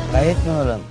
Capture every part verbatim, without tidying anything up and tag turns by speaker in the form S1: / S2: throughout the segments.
S1: Gayet mi oğlum?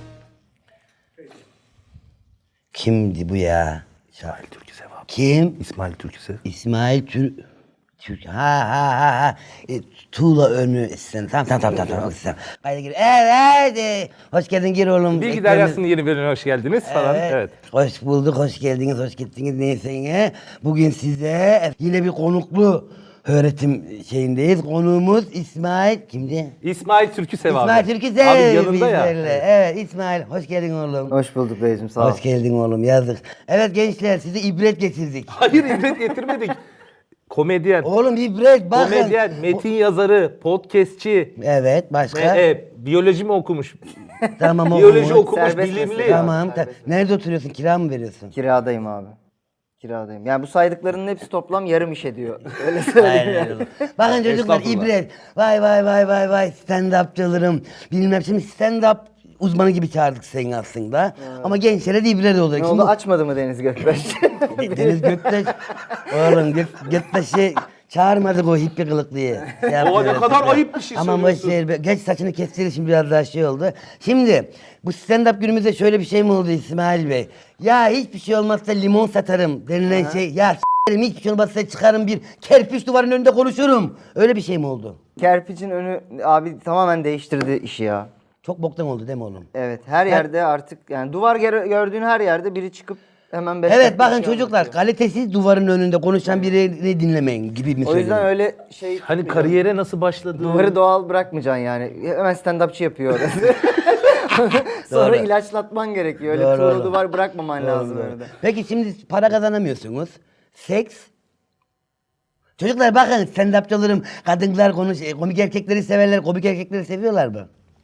S1: Kimdi bu ya?
S2: İsmail Türküsev abi.
S1: Kim?
S2: İsmail Türküsev.
S1: İsmail Tür... Türk... Ha ha ha ha. E, Tuğla önü sen. Tamam tamam tamam tamam. tamam. tamam. Haydi gir. Evet. e, Hoş geldin gir oğlum.
S2: Bilgi
S1: Ekranı-
S2: Deryası'nın yeni bölümüne hoş geldiniz falan.
S1: Evet.
S2: Evet.
S1: Hoş bulduk, hoş geldiniz, hoş gittiniz neyse yine. Bugün size yine bir konuklu öğretim şeyindeyiz. Konuğumuz İsmail kimdi?
S2: İsmail Türküsev abi.
S1: İsmail Türküsev.
S2: Abi yanında ya.
S1: bizlerle.
S2: Evet.
S1: Evet İsmail hoş geldin oğlum.
S3: Hoş bulduk dayıcım, sağ ol.
S1: Hoş geldin oğlum yazık. Evet gençler size ibret getirdik.
S2: Hayır ibret getirmedik. Komedyen.
S1: Oğlum ibret bakın.
S2: Komedyen, metin yazarı, podcastçi.
S1: Evet başka.
S2: E, e, biyoloji mi okumuş?
S1: Tamam
S2: Biyoloji
S1: okumuş.
S2: okumuş,
S3: Serbest
S2: bilimli.
S3: meslek.
S1: Tamam. ta-
S3: Serbest.
S1: Nerede oturuyorsun? Kira mı veriyorsun?
S3: Kiradayım abi. Kiradayım. Yani bu saydıklarının hepsi toplam yarım iş ediyor. Öyle söyleyeyim
S1: Aynen
S3: yani.
S1: öyle. Bakın çocuklar
S2: Estağfurullah.
S1: ibret. Vay vay vay vay vay stand-upçılarım. Bilmem şimdi stand-up uzmanı gibi çağırdık seni aslında. Ama gençlere de ibret olacak.
S3: Ne
S1: Şimdi
S3: oldu, açmadı mı Deniz Gökbaş?
S1: De- Deniz Göktaş, oğlum Gök, Göktaş'ı çağırmadık o hippi kılıklıyı. Şey yapıyor,
S2: ne kadar ayıp bir şey
S1: Aman boş
S2: söylüyorsun.
S1: ver. Geç saçını kestir şimdi biraz daha şey oldu. Şimdi bu stand-up günümüzde şöyle bir şey mi oldu İsmail Bey? Ya hiçbir şey olmazsa limon satarım denilen şey. Ya s**erim hiçbir şey olmazsa çıkarım bir kerpiç duvarın önünde konuşurum. Öyle bir şey mi oldu?
S3: Kerpiç'in önü abi tamamen değiştirdi işi ya.
S1: Çok boktan oldu değil mi oğlum?
S3: Evet, her yerde artık yani duvar gör- gördüğün her yerde biri çıkıp hemen beş
S1: Evet
S3: dakika
S1: bakın
S3: bir şey
S1: çocuklar
S3: anlatıyor.
S1: kalitesiz duvarın önünde konuşan birini dinlemeyin gibi mi
S3: O yüzden
S1: söylüyorum?
S3: öyle şey
S2: Hani kariyere nasıl başladı?
S3: duvarı doğal bırakmayacaksın yani. Hemen stand-upçı yapıyor orası. Sonra
S1: Doğru.
S3: ilaçlatman gerekiyor. Öyle
S1: Doğru,
S3: tuğla
S1: doğru.
S3: duvar bırakmaman lazım
S1: Doğru.
S3: orada.
S1: Peki şimdi para kazanamıyorsunuz. Seks. Çocuklar bakın stand-upçılarım kadınlar konuş, e, komik erkekleri severler, komik erkekleri seviyorlar mı?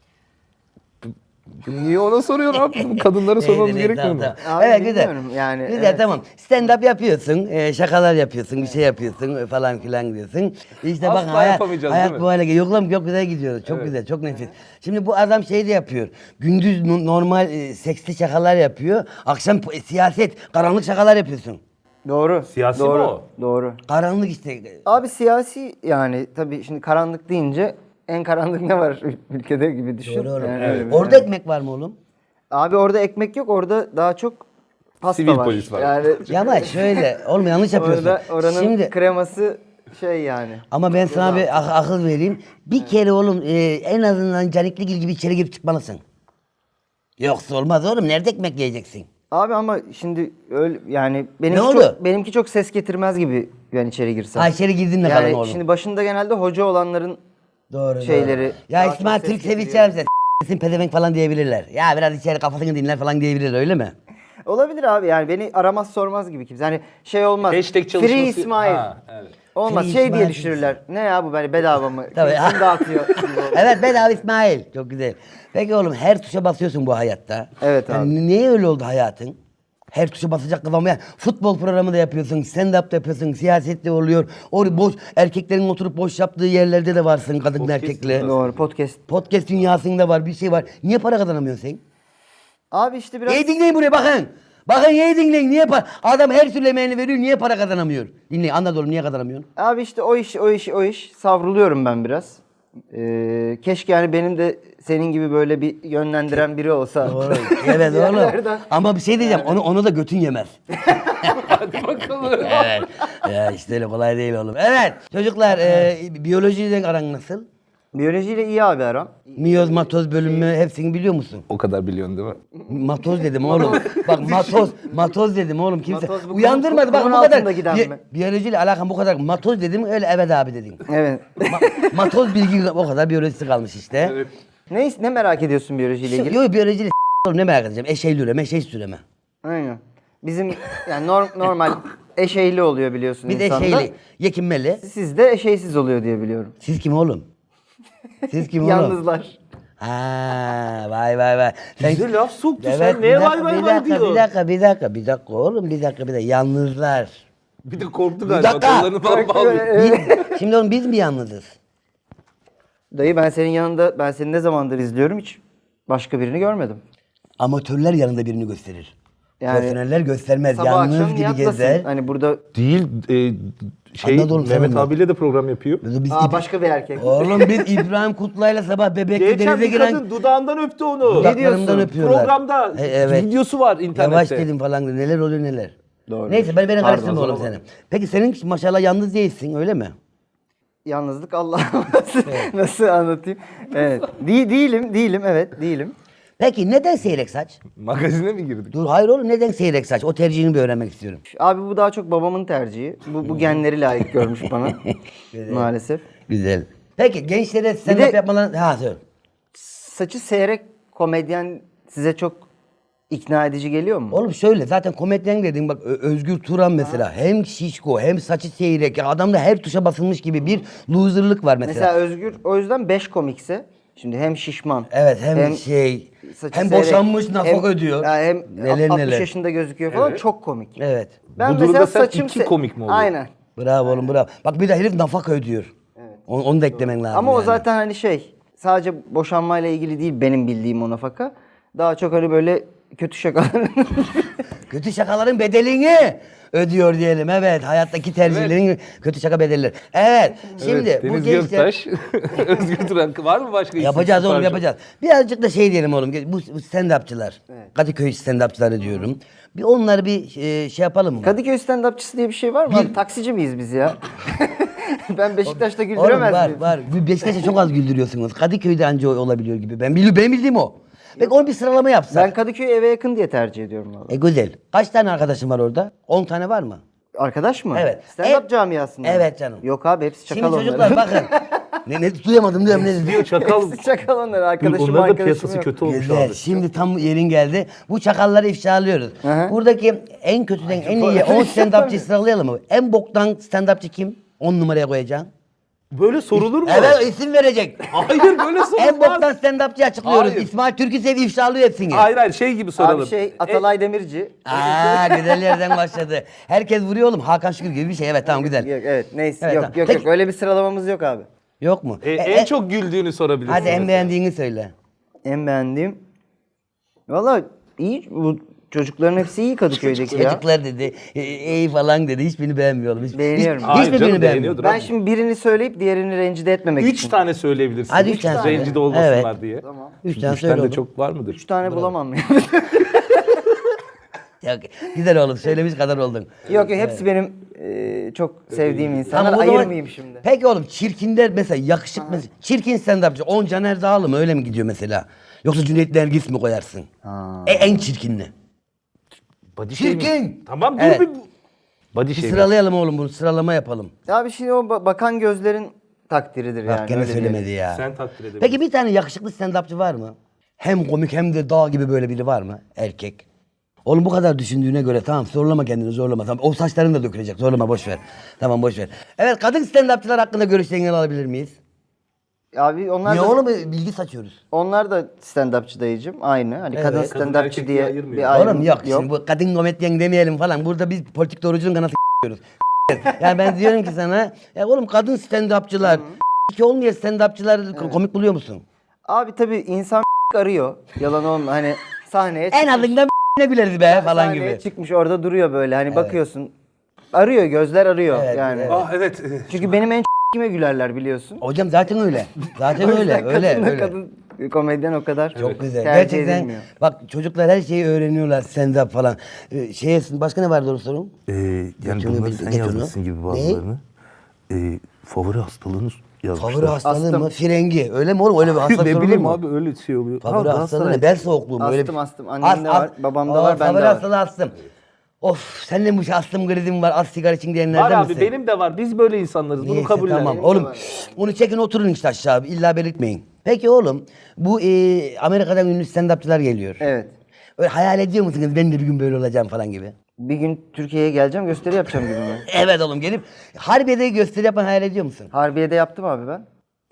S2: Niye ona soruyorsun abi? Kadınlara sormamız
S1: Neyse,
S2: gerekmiyor mu?
S1: tamam, tamam.
S3: Abi
S1: Evet güzel.
S3: bilmiyorum yani,
S1: Güzel
S3: evet.
S1: tamam. Stand-up yapıyorsun, e, şakalar yapıyorsun, bir şey yapıyorsun e, falan filan diyorsun. İşte
S2: Asla
S1: bakın hayat,
S2: yapamayacağız,
S1: hayat
S2: değil mi?
S1: bu hale geliyor. Yok lan çok güzel gidiyoruz. Çok güzel, çok nefis. Şimdi bu adam şey de yapıyor. Gündüz no- normal e, seksli şakalar yapıyor. Akşam po- siyaset, karanlık şakalar yapıyorsun.
S3: Doğru.
S2: Siyasi mi
S3: doğru,
S2: o?
S3: Doğru.
S1: Karanlık işte.
S3: Abi siyasi yani tabii şimdi karanlık deyince en karanlık ne var ülkede gibi düşün.
S1: Doğru oğlum.
S3: Yani öyle bir-
S1: Orada ekmek var mı oğlum?
S3: Abi orada ekmek yok, orada daha çok pasta
S2: Sivil
S3: var.
S2: polis var.
S3: Yani
S1: Yavaş şöyle. Oğlum yanlış yapıyorsun.
S3: orada oranın
S1: Şimdi
S3: kreması şey yani.
S1: ama ben sana bir ak- akıl vereyim. Bir kere oğlum e, en azından Canikligil gibi içeri girip çıkmalısın. Yoksa olmaz oğlum. Nerede ekmek yiyeceksin?
S3: Abi ama şimdi öyle yani benimki
S1: Ne oldu?
S3: çok benimki çok ses getirmez gibi ben içeri girsem.
S1: Ha içeri girdin de
S3: yani
S1: kalan oğlum.
S3: şimdi başında genelde hoca olanların
S1: Doğru
S3: şeyleri
S1: doğru.
S3: daha
S1: Ya
S3: çok
S1: İsmail
S3: ses
S1: Türk
S3: getiriyor.
S1: sevişeceğim sen pezevenk falan diyebilirler. Ya biraz içeri kafasını dinler falan diyebilirler öyle mi?
S3: olabilir abi, yani beni aramaz sormaz gibi kimse. Hani şey olmaz.
S2: Hashtag çalışması.
S3: Free İsmail.
S2: Ha, evet.
S3: Olmaz.
S1: Free
S3: şey
S1: İsmail
S3: diye düşünürler. Ne ya bu böyle bedava mı?
S1: Tabii.
S3: Kim dağıtıyor?
S1: Evet bedava İsmail. Çok güzel. Peki oğlum her tuşa basıyorsun bu hayatta.
S3: Evet
S1: Yani
S3: abi.
S1: niye öyle oldu hayatın? Her tuşa basacak kafam ya. Futbol programı da yapıyorsun, stand-up da yapıyorsun, siyaset de oluyor. O boş erkeklerin oturup boş yaptığı yerlerde de varsın kadın erkekle.
S3: Doğru, podcast.
S1: Podcast dünyasında var, bir şey var. Niye para kazanamıyorsun sen?
S3: Abi işte biraz
S1: İyi dinleyin buraya bakın. Bakın iyi dinleyin. Niye para? Adam her türlü emeğini veriyor. Niye para kazanamıyor? Dinleyin anlat oğlum niye kazanamıyorsun?
S3: abi işte o iş o iş o iş savruluyorum ben biraz. Ee, keşke yani benim de senin gibi böyle bir yönlendiren biri olsa.
S1: Doğru. Evet oğlum.
S3: Yerlerden-
S1: Ama bir şey diyeceğim. Onu onu da götün yemez.
S2: Hadi bakalım.
S1: Evet. Ya işte öyle kolay değil oğlum. Evet. Çocuklar e, biyolojiyle aran nasıl?
S3: Biyolojiyle iyi abi aram.
S1: Miyoz, matoz bölümü hepsini biliyor musun?
S2: O kadar biliyorsun değil mi?
S1: Matoz dedim oğlum. Bak matoz, matoz dedim oğlum. Kimse
S3: Matoz bu
S1: uyandırmadı. Bak bu
S3: kumun
S1: kadar.
S3: altında giden
S1: Bi-
S3: mi?
S1: biyolojiyle alakam bu kadar. Matoz dedim öyle evet abi dedin.
S3: Evet.
S1: Ma- matoz bilgi o kadar biyolojisi kalmış işte.
S2: Evet.
S3: ne ne merak ediyorsun biyolojiyle ilgili?
S1: Yok biyolojiyle s- oğlum ne merak edeceğim? Eşeğli üreme, eşeği süreme.
S3: Aynen. Bizim yani norm- normal eşeyli oluyor biliyorsun
S1: Bir de
S3: insanda.
S1: eşeğli, yekinmeli.
S3: Sizde eşeysiz oluyor diye biliyorum.
S1: Siz kim oğlum? Siz kim oğlum?
S3: Yalnızlar.
S1: Ha, vay vay vay.
S2: Bize laf soktu, sen
S1: Evet,
S2: neye
S1: bir
S2: vay
S1: dakika,
S2: vay
S1: bir
S2: vay
S1: dakika,
S2: diyorsun?
S1: Bir dakika, bir dakika, bir dakika oğlum, bir dakika, bir dakika. Yalnızlar.
S2: Bir de korktu
S1: Bir
S2: galiba.
S1: dakika.
S2: Kollarını falan bağlıyor.
S1: Biz- şimdi oğlum biz mi yalnızız?
S3: Dayı ben senin yanında ben seni ne zamandır izliyorum hiç başka birini görmedim.
S1: Amatörler yanında birini gösterir.
S3: Yani
S1: Profesyoneller göstermez.
S3: sabah
S1: Yalnız
S3: akşam
S1: gibi
S3: niyatlasın.
S1: gezer.
S3: Hani burada
S2: Değil e, şey
S1: Anladım,
S2: Mehmet
S1: sen
S2: abiyle de program yapıyor.
S1: Biz
S3: aa,
S1: İb-
S3: başka bir erkek.
S1: Oğlum biz İbrahim Kutlu'yla sabah bebekli
S2: Geçen
S1: denize
S2: bir
S1: giren
S2: kadın dudağından öptü onu.
S1: dudaklarımdan
S3: diyorsun?
S1: öpüyorlar.
S2: Programda
S1: E, evet.
S2: videosu var internette.
S1: Yavaş dedim falan dedi. Neler oluyor neler.
S3: Doğru.
S1: Neyse ben beni
S3: Pardon,
S1: karıştırma
S3: o
S1: oğlum
S3: zaman.
S1: seni. Peki senin maşallah yalnız değilsin öyle mi?
S3: Yalnızlık Allah nasıl, nasıl anlatayım? Evet. Değil, değilim, değilim, evet, değilim.
S1: Peki neden seyrek saç?
S2: Magazine mi girdik?
S1: Dur hayır oğlum neden seyrek saç? O tercihini bir öğrenmek istiyorum.
S3: Abi bu daha çok babamın tercihi. Bu, bu genleri layık görmüş bana. Maalesef.
S1: Güzel. Peki gençlere stand
S3: de-
S1: up yapmalarını... Ha söyle.
S3: Saçı seyrek komedyen size çok ikna edici geliyor mu?
S1: Oğlum şöyle zaten komedyen dediğin bak Ö- Özgür Turan mesela hem şişko hem saçı seyrek. Ya adamda her tuşa basılmış gibi bir loserlık var mesela.
S3: Mesela Özgür o yüzden beş komikse şimdi hem şişman.
S1: Evet hem, şey
S3: saçı
S1: hem
S3: seyrek,
S1: boşanmış nafaka
S3: hem-
S1: ödüyor.
S3: ya hem
S1: neler
S3: altmış
S1: neler.
S3: yaşında gözüküyor falan
S2: Evet.
S3: çok komik.
S1: Evet.
S3: Ben
S2: Bu durumda
S3: mesela
S2: sen
S3: saçım
S2: iki
S3: se-
S2: komik mi oluyor?
S3: Aynen.
S1: Bravo oğlum bravo. Bak bir de herif nafaka ödüyor. Evet. Onu, onu da eklemen lazım.
S3: Ama o
S1: yani.
S3: zaten hani şey sadece boşanmayla ilgili değil benim bildiğim o nafaka. Daha çok hani böyle kötü şakalar.
S1: Kötü şakaların bedelini ödüyor diyelim. Evet. Hayattaki tercihlerin kötü şaka bedelleri. Evet. Şimdi
S2: Evet,
S1: bu
S2: Deniz
S1: gençler...
S2: Göktaş, Özgür Turan var mı başka isim?
S1: Yapacağız oğlum
S2: Süper
S1: yapacağız. Birazcık da şey diyelim oğlum. Bu, bu stand-upçılar. Kadıköy stand-upçıları diyorum. Bir onları bir e, şey yapalım mı?
S3: Kadıköy stand-upçısı diye bir şey var mı? Abi, taksici miyiz biz ya? Ben Beşiktaş'ta
S1: Oğlum
S3: güldüremez
S1: var
S3: miyim?
S1: var. Bu Beşiktaş'a çok az güldürüyorsunuz. Kadıköy'de anca olabiliyor gibi. Ben, bil, ben bildiğim o. Peki onu bir sıralama yapsak.
S3: Ben Kadıköy'ü eve yakın diye tercih ediyorum valla.
S1: E güzel. Kaç tane arkadaşın var orada? on tane var mı?
S3: Arkadaş mı?
S1: Evet.
S3: Stand-up
S1: Evet.
S3: camiasında mı?
S1: Evet canım.
S3: Yok abi hepsi çakal
S1: Şimdi
S3: onların.
S1: çocuklar bakın. ne, ne duyamadım duyamadım. Ne
S2: Diyor çakal.
S3: Hepsi çakal onların. Arkadaşım
S2: Onların da
S3: arkadaşım
S2: piyasası
S3: yok.
S2: kötü olmuş
S1: Güzel.
S2: abi.
S1: Şimdi tam yerin geldi. Bu çakalları ifşalıyoruz.
S3: hı.
S1: Buradaki en kötüden en iyi on stand-upçı sıralayalım mı? En boktan stand-upçı kim? on numaraya koyacaksın.
S2: Böyle sorulur mu?
S1: Evet isim verecek.
S2: Hayır böyle sorulmaz.
S1: En boktan stand-upçı açıklıyoruz.
S2: Hayır.
S1: İsmail Türküsev ifşalıyor hepsini.
S2: Hayır hayır şey gibi soralım.
S3: Abi şey Atalay Demirci.
S1: Aa güzel yerden başladı. Herkes vuruyor oğlum. Hakan Şükür gibi bir şey. Evet tamam güzel.
S3: Yok evet neyse
S1: Evet,
S3: yok
S1: tamam.
S3: yok
S1: Peki-
S3: yok öyle bir sıralamamız yok abi.
S1: Yok mu?
S2: E,
S1: E,
S2: en
S1: e,
S2: çok güldüğünü sorabilirsin.
S1: Hadi en
S2: mesela.
S1: beğendiğini söyle.
S3: En beğendiğim. Valla iyi bu çocukların hepsi iyi Kadıköy'deki ya.
S1: Çocuklar dedi, e, ey falan dedi. Hiçbirini beğenmiyorum. Hiç,
S3: Beğeniyorum.
S1: Hiç,
S2: Hayır
S1: hiçbirini
S2: canım,
S1: beğenmiyorum.
S2: beğeniyordur.
S3: Ben şimdi birini söyleyip diğerini rencide etmemek
S2: Üç
S3: için.
S2: tane söyleyebilirsin.
S1: Hadi üç tane söyle.
S2: Rencide olmasınlar
S1: Evet.
S2: diye.
S3: Tamam.
S1: Üç tane
S2: Üç
S1: söyle
S2: tane de
S1: oğlum.
S2: çok var mıdır?
S3: Üç tane bulamam ya.
S1: Yok, güzel oğlum. Söylemiş kadar oldun.
S3: yok yok hepsi benim e, çok sevdiğim insanlar.
S1: Tamam, o zaman-
S3: Ayırmayayım şimdi.
S1: Peki oğlum çirkinler mesela yakışık mesela. Çirkin stand-upçı. On Caner Dağlı mı öyle mi gidiyor mesela? Yoksa Cüneyt Nergis mi koyarsın? E, en çirkinli.
S2: Body
S1: Çirkin.
S2: shaming. Tamam dur
S1: Evet.
S2: bir... Body
S1: Bir
S2: shaming.
S1: sıralayalım oğlum bunu. Sıralama yapalım.
S3: Abi şimdi o ba- bakan gözlerin takdiridir
S1: Bak
S3: yani.
S1: gene
S3: öyle
S1: söylemedi
S3: diyelim.
S1: ya.
S2: Sen takdir edebilirsin.
S1: Peki bir tane yakışıklı stand-upçı var mı? Hem komik hem de dağ gibi böyle biri var mı? Erkek. Oğlum bu kadar düşündüğüne göre tamam zorlama kendini zorlama. Tamam, o saçların da dökülecek zorlama boş ver. Tamam boş ver. Evet kadın stand-upçılar hakkında görüşlerini alabilir miyiz?
S3: Abi onlar
S1: Niye
S3: da,
S1: oğlum bilgi saçıyoruz?
S3: onlar da stand-upçı dayıcım. Aynı. Hani kadın
S1: Evet.
S2: Kadın
S3: stand-upçı
S2: erkek
S3: diye
S2: diye ayırmıyor.
S3: bir ayrım
S1: Oğlum yok, şimdi bu kadın komedyen demeyelim falan. Burada biz politik doğrucunun kanası diyoruz. Yani ben diyorum ki sana ya oğlum kadın stand-upçılar ki olmayan stand-upçılar komik buluyor musun?
S3: Abi tabii insan arıyor. Yalan olma hani sahneye
S1: En azından ne güleriz be falan
S3: sahneye
S1: gibi.
S3: çıkmış orada duruyor böyle hani bakıyorsun. Arıyor gözler arıyor
S1: Evet,
S3: yani.
S1: evet.
S2: Ah evet.
S3: Çünkü benim en kime gülerler biliyorsun.
S1: Hocam zaten öyle. Zaten
S3: O
S1: öyle,
S3: yüzden
S1: öyle,
S3: kadınla
S1: öyle.
S3: kadın komedyen o kadar
S1: Çok güzel.
S3: tercih
S1: Gerçekten
S3: edilmiyor.
S1: bak çocuklar her şeyi öğreniyorlar stand-up falan. Ee, şeye, başka ne vardı onu sorun?
S2: Ee, yani
S1: Geç onu,
S2: bunları
S1: geç
S2: sen
S1: onu.
S2: yazmışsın gibi bazılarını. Ee, favori hastalığınız yazmışlar.
S1: Favori hastalığı
S3: Astım.
S1: mı? Frengi. Öyle mi oğlum? Öyle bir hastalık
S2: ne
S1: sorulur
S2: bileyim
S1: mu?
S2: abi öyle şey oluyor.
S1: Favori
S2: Ha,
S1: hastalığı
S2: Galatasaray.
S1: ne? Bel soğukluğu mu? Öyle
S3: Astım,
S1: bir-
S3: astım. Annemde var, babamda
S1: Aa,
S3: var, bende
S1: favori
S3: var.
S1: hastalığı astım. Of senin bu astım krizin var. Az sigara için diyenlerden
S2: Var abi
S1: misin?
S2: benim de var. Biz böyle insanlarız. Bunu
S1: Neyse,
S2: kabullen.
S1: tamam.
S3: Benim de
S1: Oğlum
S3: var.
S1: onu çekin oturun işte aşağı. İlla belirtmeyin. Peki oğlum bu e, Amerika'dan ünlü stand-upçılar geliyor.
S3: Evet.
S1: Öyle hayal ediyor musunuz ben de bir gün böyle olacağım falan gibi?
S3: Bir gün Türkiye'ye geleceğim gösteri yapacağım gibi mi?
S1: Evet oğlum gelip Harbiye'de gösteri yapan hayal ediyor musun?
S3: Harbiye'de yaptım abi ben.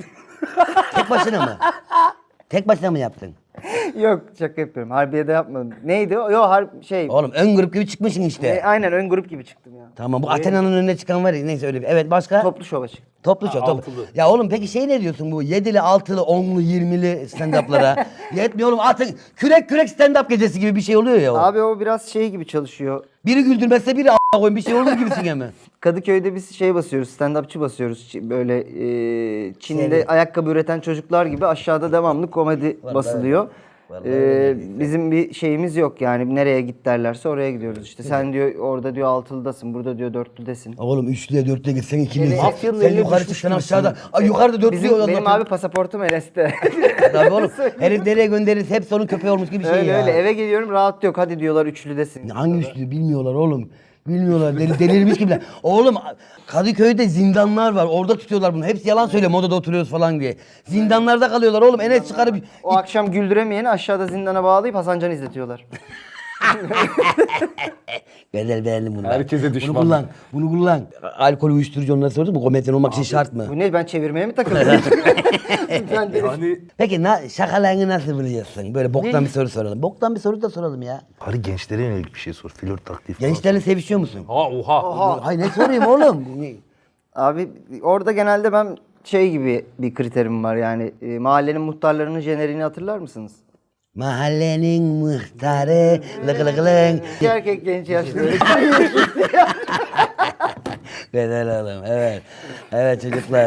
S1: Tek başına mı? Tek başına mı yaptın?
S3: Yok şaka yapıyorum. Harbiye'de yapmadım. Neydi o? Yok har şey.
S1: Oğlum ön grup gibi çıkmışsın işte.
S3: E, aynen ön grup gibi çıktım ya.
S1: Tamam bu Athena'nın önüne çıkan var ya neyse öyle bir. Evet başka?
S3: Toplu şova çıktım.
S1: Toplu show.
S2: Ha,
S1: Toplu.
S2: altılı.
S1: Ya oğlum peki şey ne diyorsun bu yedili, altılı, onlu, yirmili stand-up'lara? Yetmiyor oğlum atın kürek kürek stand-up gecesi gibi bir şey oluyor ya o.
S3: Abi o biraz şey gibi çalışıyor.
S1: Biri güldürmezse biri a**a koyun bir şey olur gibisin hemen.
S3: Kadıköy'de biz şey basıyoruz, stand-upçı basıyoruz. Ç- Böyle e, Çin'de
S1: Seri.
S3: ayakkabı üreten çocuklar gibi aşağıda devamlı komedi
S1: Vallahi
S3: basılıyor.
S1: Vallahi
S3: E,
S1: öyle değil.
S3: bizim bir şeyimiz yok yani nereye git derlerse oraya gidiyoruz. İşte sen diyor orada diyor altılıdasın, burada diyor dörtlüdesin.
S1: Oğlum üçlüye dörtlüye gitsen ikiliye.
S2: Mafyanın
S1: Sen
S2: eline
S1: yukarı
S2: düşmüş
S1: çıksan
S2: gibisin.
S1: aşağıda. Ay yukarıda dörtlüye
S3: Bizim, benim
S1: anlatıyor.
S3: abi pasaportum Enes'te.
S1: Tabii oğlum. Herif nereye gönderirse hep onun köpeği olmuş gibi bir şey
S3: öyle
S1: ya.
S3: öyle eve geliyorum rahat yok hadi diyorlar üçlüdesin.
S1: Hangi üçlü bilmiyorlar oğlum. Bilmiyorlar. Deli, delirmiş gibiler. Oğlum Kadıköy'de zindanlar var. Orada tutuyorlar bunu. Hepsi yalan söylüyor. Modada oturuyoruz falan diye. Zindanlarda kalıyorlar oğlum. Enes çıkarıp
S3: O akşam güldüremeyeni aşağıda zindana bağlayıp Hasan Can izletiyorlar.
S1: Güzel beğendim bunu.
S2: Herkese düşman.
S1: Bunu kullan. Bunu kullan. Alkol uyuşturucu onları sordun mu? Komedyen olmak için şart mı?
S3: Bu ne ben çevirmeye mi takıldım? ben de
S2: Yani
S1: Peki na, şakalarını nasıl buluyorsun? Böyle boktan bir soru soralım. Boktan bir soru da soralım ya.
S2: bari gençlere yönelik bir şey sor. Flört taktiği falan.
S1: Gençlerle sevişiyor musun?
S2: Ha oha.
S1: Hayır ne sorayım oğlum?
S3: Abi orada genelde ben şey gibi bir kriterim var yani e, mahallenin muhtarlarının jeneriğini hatırlar mısınız?
S1: Mahallenin muhtarı lık lık lık.
S3: İki erkek genç yaşlı.
S1: Güzel oğlum evet. Evet çocuklar.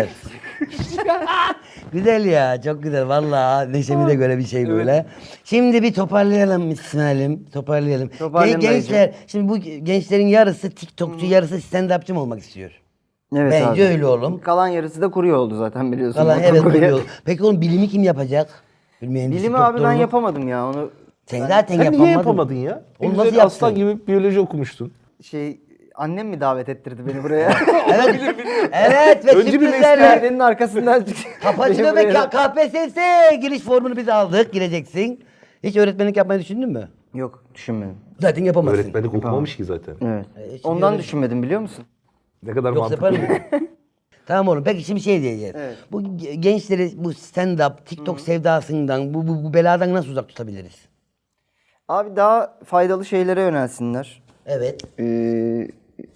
S1: Güzel ya çok güzel vallahi neşemi de göre bir şey böyle. Şimdi bir toparlayalım İsmail'im toparlayalım.
S3: Toparlayalım
S1: Gen- gençler şimdi bu gençlerin yarısı TikTokçu yarısı stand-upçı mı olmak istiyor?
S3: Evet
S1: Bence
S3: abi.
S1: öyle oğlum.
S3: Kalan yarısı da kuruyor oldu zaten biliyorsun.
S1: Kalan
S3: Motor
S1: evet
S3: kuruyor.
S1: biliyor. Peki oğlum bilimi kim yapacak? Bir mühendislik,
S3: Bilimi abi ben
S1: doktorluk.
S3: yapamadım ya onu
S1: Sen zaten
S2: Sen
S1: yapamadın.
S2: niye yapamadın ya?
S1: Onu
S2: Ne
S1: nasıl
S2: güzel aslan
S1: yaptın?
S2: gibi biyoloji okumuştun.
S3: şey annem mi davet ettirdi beni buraya?
S1: Evet. Evet ve
S2: Önce bir
S1: sürprizlerle.
S3: Perdenin arkasından
S1: Kapatıyor
S3: Beni
S1: ve
S3: buraya-
S1: K- KPSS giriş formunu biz aldık. Gireceksin. Hiç öğretmenlik yapmayı düşündün mü?
S3: Yok düşünmedim.
S1: Zaten yapamazsın.
S2: Öğretmenlik okumamış ki zaten.
S3: Evet.
S1: hiç
S3: Ondan
S1: öyle-
S3: düşünmedim biliyor musun?
S2: Ne kadar
S1: Yoksa
S2: mantıklı.
S1: yapar mı? Tamam oğlum. Peki şimdi şey diyeceğiz.
S3: Evet.
S1: Bu ge- gençleri bu stand-up, TikTok sevdasından, bu, bu, bu beladan nasıl uzak tutabiliriz?
S3: Abi daha faydalı şeylere yönelsinler.
S1: Evet.
S3: Ee,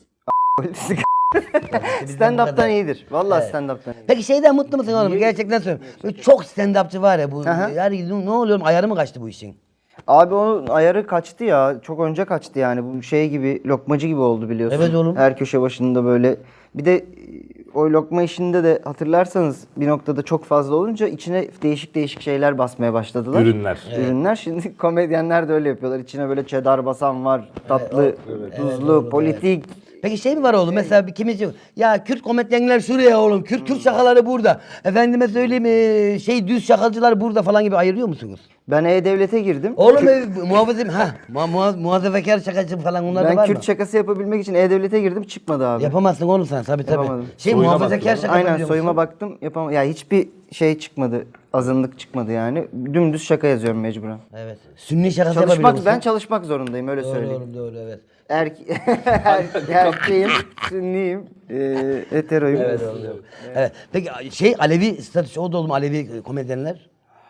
S1: Bizden bu kadar.
S3: stand-up'tan iyidir. Vallahi
S1: Evet.
S3: stand-up'tan iyidir.
S1: Peki şeyden mutlu musun oğlum? Gerçekten söylüyorum. Böyle çok stand-upçı var ya bu.
S3: Aha.
S1: Yani ne oluyor? Ayarı mı kaçtı bu işin?
S3: Abi onun ayarı kaçtı ya. Çok önce kaçtı yani. Bu şey gibi lokmacı gibi oldu biliyorsun.
S1: Evet oğlum.
S3: Her köşe başında böyle. Bir de e, o lokma işinde de hatırlarsanız bir noktada çok fazla olunca içine değişik değişik şeyler basmaya başladılar.
S2: Ürünler.
S3: Ürünler. Şimdi komedyenler de öyle yapıyorlar. İçine böyle cheddar basan var. Tatlı, tuzlu, politik.
S1: Peki şey mi var oğlum mesela bir kimisi ya Kürt komedyenler şuraya oğlum Kürt Kürt şakaları burada efendime söyleyeyim eee, şey düz şakacılar burada falan gibi ayırıyor musunuz?
S3: Ben E-Devlet'e girdim.
S1: Oğlum e, muhafızım ha muha, muha, muhafazakar şakacı falan onlar da
S3: Ben
S1: var
S3: Kürt
S1: mı?
S3: şakası yapabilmek için E-Devlet'e girdim çıkmadı abi.
S1: Yapamazsın oğlum sen tabii tabii.
S3: Yapamadım.
S1: Şey
S2: Soyuna
S1: muhafazakar
S2: baktın.
S1: şaka
S3: Aynen
S1: yapabiliyor
S3: soyuma
S1: musun?
S3: baktım yapamam. Ya hiçbir şey çıkmadı. Azınlık çıkmadı yani. Dümdüz şaka yazıyorum mecburen.
S1: Evet. Sünni şakası yapabiliyor
S3: Çalışmak
S1: musun?
S3: ben çalışmak zorundayım öyle
S1: Doğru
S3: söyleyeyim.
S1: oğlum doğru evet.
S3: Erke erkeğim, sünniyim, eee heteroyum.
S1: Evet oğlum. doğru. Evet. Peki şey Alevi statüsü o da oğlum Alevi komedyenler?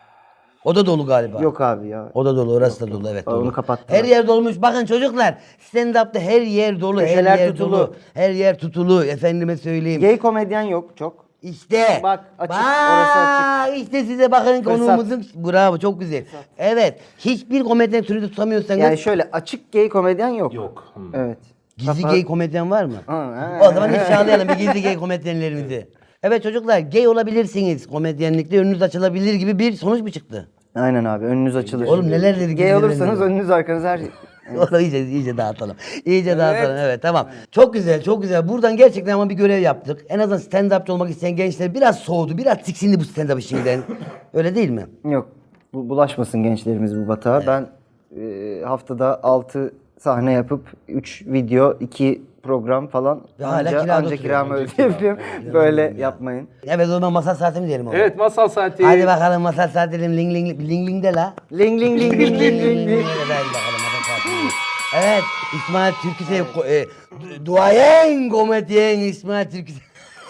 S1: O da dolu galiba.
S3: Yok abi ya.
S1: O da dolu, orası da dolu evet
S3: Onu
S1: dolu.
S3: kapattılar.
S1: Her yer dolmuş. Bakın çocuklar, stand-up'ta her yer dolu,
S3: Köşeler
S1: her yer
S3: tutulu.
S1: dolu. Her yer tutulu. Efendime söyleyeyim.
S3: Gay komedyen yok çok.
S1: İşte.
S3: Bak, açık,
S1: Bak,
S3: orası açık.
S1: işte size bakın
S3: Fırsat.
S1: konuğumuzun. Bravo çok güzel. Evet. Hiçbir komedyen türü de tutamıyorsanız.
S3: Yani şöyle açık gay komedyen yok.
S2: Yok. Hmm.
S3: Evet.
S1: Gizli
S3: Kafa-
S1: gay komedyen var mı?
S3: Ha, ha.
S1: O zaman ifşalayalım bir gizli gay komedyenlerimizi. Evet çocuklar gay olabilirsiniz. Komedyenlikte önünüz açılabilir gibi bir sonuç mu çıktı?
S3: Aynen abi önünüz açılır.
S1: Oğlum neler dedik
S3: Gay
S1: biz, neler
S3: olursanız
S1: dedik.
S3: önünüz arkanız her
S1: Onu iyice, iyice dağıtalım. İyice dağıtalım. Evet tamam. Çok güzel, çok güzel. Buradan gerçekten ama bir görev yaptık. En azından stand-upçı olmak isteyen gençler biraz soğudu, biraz tiksindi bu stand-up işinden. Öyle değil mi?
S3: Yok. Bu, bulaşmasın gençlerimiz bu batağa. Ben e, haftada altı sahne yapıp üç video, iki program falan
S1: Ve hala
S3: anca,
S1: kirada
S3: anca
S1: oturuyor.
S3: kiramı ödeyebilirim. Böyle yapmayın.
S1: Evet o zaman masal saati mi diyelim oğlum?
S2: Evet masal saati.
S1: Hadi bakalım masal saati diyelim. Ling ling ling ling de la.
S3: Ling ling ling ling ling ling ling.
S1: Hadi bakalım masal saati. Evet İsmail Türküsev ko- e, du- duayen komedyen İsmail Türküsev.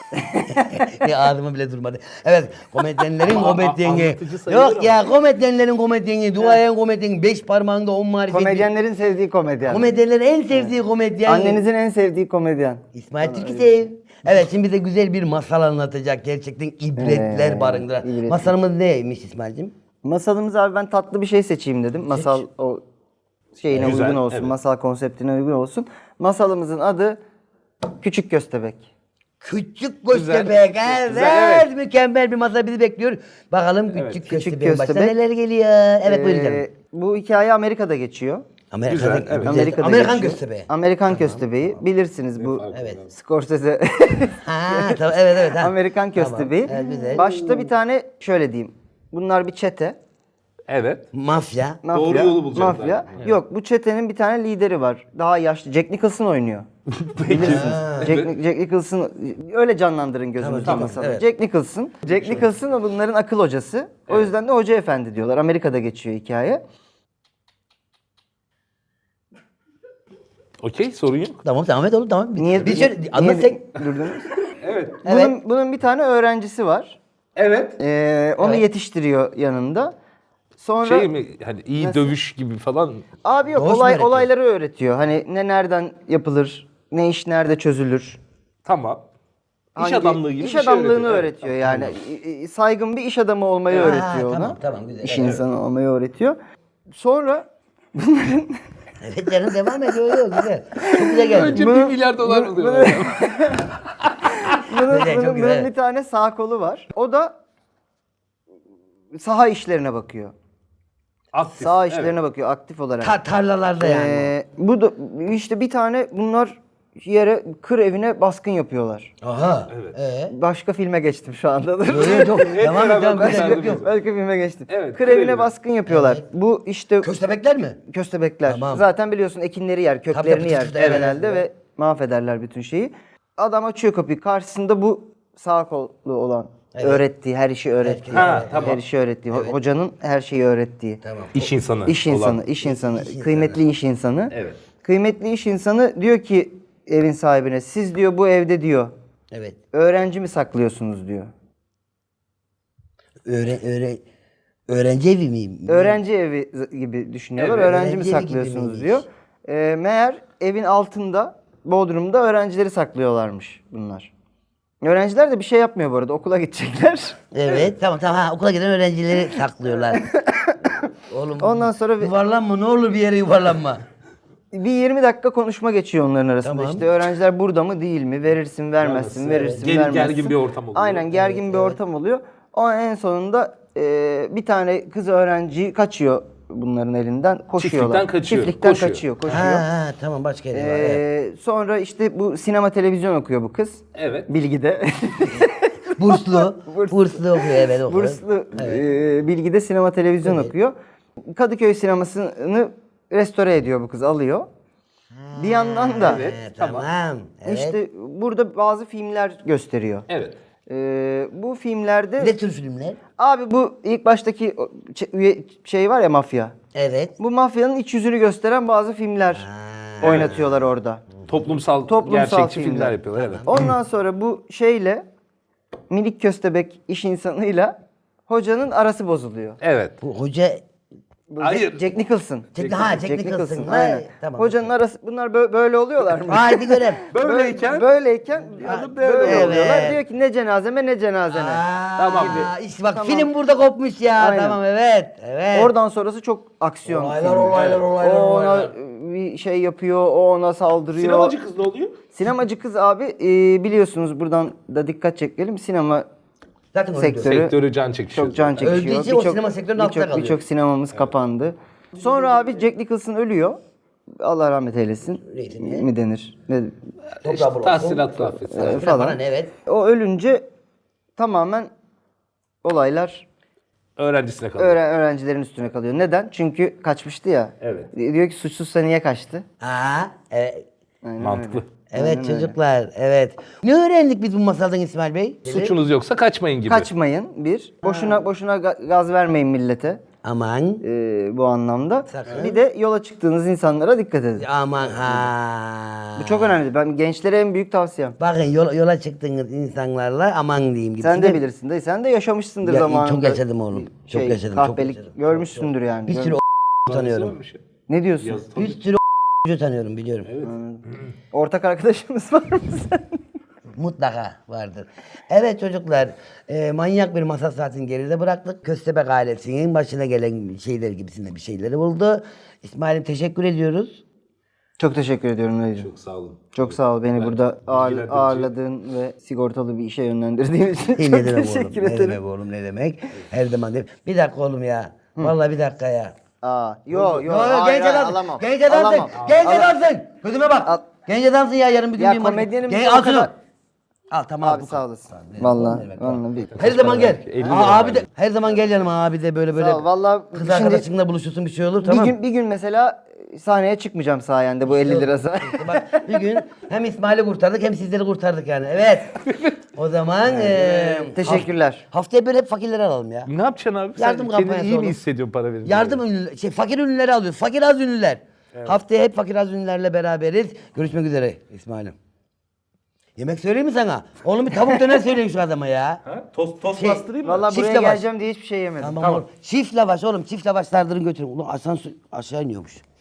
S1: Ya ağzıma bile durmadı. Evet komedyenlerin komedyeni.
S2: anlatıcı sayılır
S1: Yok
S2: ama.
S1: ya komedyenlerin komedyeni, duayen komedyen, beş parmağında on marifet.
S3: Komedyenlerin sevdiği komedyen.
S1: Komedyenlerin en sevdiği komedyen.
S3: Annenizin en sevdiği komedyen.
S1: İsmail Türküsev. Evet şimdi bize güzel bir masal anlatacak. Gerçekten ibretler
S3: Ee,
S1: barındıran.
S3: ibretli.
S1: Masalımız neymiş İsmail'cim?
S3: Masalımız abi ben tatlı bir şey seçeyim dedim. Masal o şeyine
S2: Güzel,
S3: uygun olsun,
S2: evet.
S3: masal konseptine uygun olsun. Masalımızın adı Küçük Köstebek.
S1: Küçük
S2: Güzel.
S1: Köstebek. Evet.
S2: Güzel, evet.
S1: Mükemmel bir masal bizi bekliyor. Bakalım küçük
S2: Evet,
S3: Küçük
S1: Köstebek'in başına
S3: Köstebek.
S1: neler geliyor. Evet buyurun canım.
S3: Ee, bu hikaye Amerika'da geçiyor.
S1: Amerika'da,
S2: Güzel, evet.
S3: Amerika'da
S1: Amerikan
S3: geçiyor.
S1: Köstebeği.
S3: Amerikan Köstebeği. Bilirsiniz bu
S1: Evet.
S3: Scorsese
S1: Ha tamam evet evet. Ha.
S3: Amerikan
S1: Tamam,
S3: Köstebeği.
S1: evet, güzel.
S3: Başta bir tane şöyle diyeyim. Bunlar bir çete.
S2: Evet.
S1: Mafya.
S3: Mafya.
S2: Doğru yolu bulacağım
S3: Mafya.
S2: ben. Evet.
S3: Yok bu çetenin bir tane lideri var. Daha yaşlı. Jack Nicholson oynuyor. Bilirsiniz. Jack, Jack Nicholson öyle canlandırın gözünüzde
S1: Tamam,
S3: masada.
S1: evet.
S3: Jack Nicholson. Jack Nicholson o bunların akıl hocası. O yüzden de Hoca Efendi diyorlar. Amerika'da geçiyor hikaye.
S2: Okey, sorun yok.
S1: Tamam tamam evet oğlum tamam.
S3: Niye,
S1: bir şöyle
S3: niye-
S1: anlat sen.
S3: durdunuz?
S2: Evet.
S1: Evet.
S3: Bunun, bunun bir tane öğrencisi var.
S2: Evet.
S3: Ee, onu
S1: Evet.
S3: yetiştiriyor yanında. Sonra
S2: Şey mi, hani iyi
S3: Nasıl?
S2: dövüş gibi falan.
S3: abi yok
S1: Doğuş mu
S3: olay
S1: öğretiyor?
S3: olayları öğretiyor. Hani ne nereden yapılır, ne iş nerede çözülür.
S2: Tamam. İş
S3: Hangi-
S2: adamlığı gibi
S3: iş
S2: bir şey
S3: adamlığını
S2: öğretiyor. Evet,
S3: öğretiyor yani. İ- i- Saygın bir iş adamı olmayı
S1: Ha,
S3: öğretiyor ona.
S1: tamam, tamam, güzel.
S3: İş
S1: Evet.
S3: insanı olmayı öğretiyor. Sonra
S1: Evet canım devam ediyor. Yok, güzel. Çok güzel geldi.
S2: Önce
S3: Bunu-
S2: bir milyar dolar
S3: bunu-
S2: buluyorlar.
S3: bunun,
S1: Güzel, çok
S3: bunun-
S1: güzel.
S3: bunun bir tane sağ kolu var. O da saha işlerine bakıyor.
S2: Aktif.
S3: Saha
S2: evet.
S3: işlerine bakıyor aktif olarak.
S1: Ta- tarlalarda yani.
S3: Ee, bu da işte bir tane bunlar yere kır evine baskın yapıyorlar.
S1: Aha.
S2: Evet.
S1: Ee?
S3: Başka filme geçtim şu anda. Dur.
S1: Yok, yok, yok. Devam et
S2: beraber
S1: devam et.
S2: başladık.
S1: Yok yok.
S3: Başka filme geçtim.
S2: Evet,
S3: kır
S2: kır
S3: evine
S2: evine.
S3: baskın yapıyorlar. Bu işte
S1: Köstebekler mi?
S3: köstebekler.
S1: Tamam.
S3: Zaten biliyorsun ekinleri yer,
S1: Tabii,
S3: köklerini
S1: tabii,
S3: yer
S1: tabii, evet,
S3: genelde
S1: evet.
S3: ve mahvederler bütün şeyi. Adam açıyor kapıyı. Karşısında bu sağ kollu olan
S1: Evet.
S3: öğrettiği, her işi öğrettiği.
S2: Ha,
S3: her
S2: tamam.
S3: işi öğrettiği. ho- Hocanın her şeyi öğrettiği.
S1: Tamam.
S2: İş insanı.
S3: İş
S2: olan.
S3: insanı, iş insanı,
S1: iş
S3: kıymetli iş insanı.
S2: Evet.
S3: Kıymetli iş insanı diyor ki evin sahibine, siz diyor bu evde diyor
S1: Evet.
S3: öğrenci mi saklıyorsunuz diyor.
S1: Öğren, öğren, öğrenci evi miyim?
S3: Öğrenci evi z- gibi düşünüyorlar.
S2: Evet.
S3: Öğrenci mi
S1: Öğrenci evi gibi
S3: saklıyorsunuz
S1: miymiş?
S3: diyor. Ee, meğer evin altında, Bodrum'da öğrencileri saklıyorlarmış bunlar. Öğrenciler de bir şey yapmıyor bu arada. Okula gidecekler.
S1: Evet tamam tamam ha, okula giden öğrencileri saklıyorlar. Oğlum
S3: Ondan sonra bir-
S1: yuvarlanma ne olur bir yere yuvarlanma.
S3: Bir yirmi dakika konuşma geçiyor onların arasında.
S1: Tamam.
S3: İşte öğrenciler burada mı değil mi? Verirsin, vermezsin,
S2: Vermezsin,
S3: verirsin,
S2: evet. Ger-
S3: vermezsin.
S2: gergin bir ortam oluyor.
S3: Aynen gergin bir ortam oluyor. O en sonunda e, bir tane kız öğrenci kaçıyor bunların elinden. Koşuyorlar.
S2: Çiftlikten kaçıyor,
S3: Çiftlikten
S2: koşuyor.
S3: kaçıyor,
S1: Ha,
S3: koşuyor.
S1: ha tamam başka yere var. Evet.
S3: Ee, sonra işte bu sinema televizyon okuyor bu kız.
S2: Evet.
S3: Bilgi'de.
S1: Burslu. Burslu okuyor evet okuyor.
S3: Burslu e, Bilgi'de sinema televizyon okuyor. Kadıköy sinemasını restore ediyor bu kız, alıyor. Bir yandan da
S2: Evet.
S1: Ha,
S2: tamam.
S1: tamam. Evet.
S3: işte burada bazı filmler gösteriyor.
S2: Evet.
S3: Ee, bu filmlerde
S1: Ne tür filmler?
S3: abi bu ilk baştaki o ç- üye şey var ya, mafya.
S1: Evet.
S3: Bu mafyanın iç yüzünü gösteren bazı filmler oynatıyorlar orada.
S2: Toplumsal,
S3: Toplumsal
S2: gerçekçi
S3: filmler.
S2: filmler yapıyorlar. Evet.
S3: Ondan sonra bu şeyle minik köstebek iş insanıyla hocanın arası bozuluyor.
S2: Evet.
S1: Bu hoca
S3: Bu
S2: Hayır.
S3: Jack, Jack Nicholson.
S1: Jack- ha, Jack Nicholson. Ha,
S3: Aynen.
S1: tamam.
S3: Hocanın arası bunlar bö- böyle oluyorlar mı?
S1: haydi görev.
S2: Böyleyken
S3: böyleyken
S2: adı
S3: böyle,
S2: böyle
S1: oluyor.
S3: oluyorlar.
S1: Evet.
S3: Diyor ki ne cenazeme ne cenazene.
S1: Aa,
S2: Tamam.
S1: işte bak
S3: Tamam.
S1: film burada kopmuş ya.
S3: Aynen.
S1: Tamam evet. Evet.
S3: Oradan sonrası çok aksiyon.
S1: Olaylar,
S3: filmi.
S1: olaylar, olaylar,
S3: O ona
S1: olaylar.
S3: bir şey yapıyor, o ona saldırıyor.
S2: sinemacı kız ne oluyor?
S3: Sinemacı kız abi e, biliyorsunuz buradan da dikkat çekelim. Sinema
S1: Zaten öldü.
S3: sektörü
S2: Sektörü can çekişiyor.
S3: çok can çekişiyor.
S1: Öldüğü için o sinema sektörünün altında
S3: birçok
S1: kalıyor.
S3: birçok sinemamız kapandı. Sonra abi Jack Nicholson ölüyor. Allah rahmet eylesin.
S1: Neydi?
S3: Mi denir? Ne?
S1: Toprağı bol olsun.
S2: Tahsilat affet.
S3: Ee,
S1: Falan.
S3: falan.
S1: Evet.
S3: O ölünce tamamen olaylar
S2: Öğrencisine kalıyor.
S3: öğren öğrencilerin üstüne kalıyor. Neden? Çünkü kaçmıştı ya.
S2: Evet.
S3: Diyor ki suçsuzsa niye kaçtı?
S1: Aa, evet.
S2: Mantıklı.
S1: Evet çocuklar, evet. Ne öğrendik biz bu masaldan İsmail Bey?
S2: Suçunuz yoksa kaçmayın gibi.
S3: Kaçmayın bir. Boşuna boşuna ga- gaz vermeyin millete.
S1: Aman.
S3: Ee, bu anlamda.
S1: Sakın.
S3: Bir de yola çıktığınız insanlara dikkat edin.
S1: Aman ha.
S3: Bu çok önemli. Ben gençlere en büyük tavsiyem.
S1: Bakın yola, yola çıktığınız insanlarla aman diyeyim.
S3: Sen de
S1: gibisinden.
S3: bilirsin dayı. Sen de yaşamışsındır
S1: Ya,
S3: zamanında.
S1: çok yaşadım oğlum. Çok
S3: Şey,
S1: yaşadım, çok
S3: kahpelik
S1: yaşadım.
S3: görmüşsündür yani.
S1: Bir
S3: Gör-
S1: sürü o tanıyorum.
S3: Ne diyorsun?
S2: Yazı
S1: Bir sürü o tanıyorum biliyorum.
S3: Ortak arkadaşımız var mı sen?
S1: Mutlaka vardır. Evet çocuklar, e, manyak bir masa saatini geride bıraktık. Köstebek ailesinin başına gelen şeyler gibisinde bir şeyleri buldu. İsmail'im teşekkür ediyoruz.
S3: Çok teşekkür ediyorum Dayıcığım.
S2: Çok sağ olun.
S3: Çok sağ ol beni burada ağır,
S2: bilgilendirdin.
S3: ağırladığın ve sigortalı bir işe yönlendirdiğin için.
S1: Hey,
S3: Çok
S1: ne demek oğlum?
S3: teşekkür
S1: Ne
S3: ederim.
S1: demek oğlum? Ne demek? Her zaman demek. Bir dakika oğlum ya. Vallahi bir dakika ya.
S3: Aa, yo
S1: Yo,
S3: yo,
S1: yo,
S3: hayır,
S1: genç
S3: hayır,
S1: adamsın.
S3: alamam.
S1: Genç adamsın.
S3: Alamam.
S1: Genç
S3: Alamam.
S1: adamsın. Gözüme bak.
S3: Al.
S1: Genç adamsın ya, yarın bir gün
S3: Ya,
S1: bir maç-
S3: komedyenim
S1: Genç-
S3: bir o
S1: al şunu.
S3: kadar-
S1: Al tamam.
S3: Abi
S1: bu
S3: sağ
S1: kadar.
S3: olasın.
S1: Ne
S3: Vallahi,
S1: demek,
S3: vallahi bir.
S1: Her zaman gel.
S2: elli
S1: Aa,
S2: lira
S1: abi de her zaman gel yanıma, abi de böyle böyle.
S3: Sağ ol, vallahi
S1: kız
S3: şimdi-
S1: arkadaşınla buluşursun, bir şey olur, tamam.
S3: Bir gün bir gün mesela sahneye çıkmayacağım sayende bu elli lirası.
S1: İşte bak bir gün hem İsmail'i kurtardık hem sizleri kurtardık yani. Evet. O zaman eee,
S3: Teşekkürler.
S1: haft- haftaya böyle hep fakirleri alalım ya.
S2: Ne yapacaksın abi?
S1: Yardım
S2: Sen kendini
S1: kampanyası
S2: iyi mi
S1: olur.
S2: hissediyorsun para verince?
S1: Yardım ünlüler, şey fakir ünlüleri alıyoruz. Fakir az ünlüler. Haftaya hep fakir az ünlülerle beraberiz. Görüşmek üzere İsmail'im. Yemek söyleyeyim mi sana? Oğlum bir tavuk döner söyleyin şu adama ya.
S2: Ha? Tost, tost
S1: Şey,
S2: bastırayım mı?
S3: Vallahi
S1: Çift
S3: buraya
S1: lavaş.
S3: geleceğim diye hiçbir şey yemedim.
S1: Tamam,
S2: Tamam.
S1: oğlum. Çift lavaş oğlum, çift lavaş sardırın götürün. Ulan asansör aşağı iniyormuş.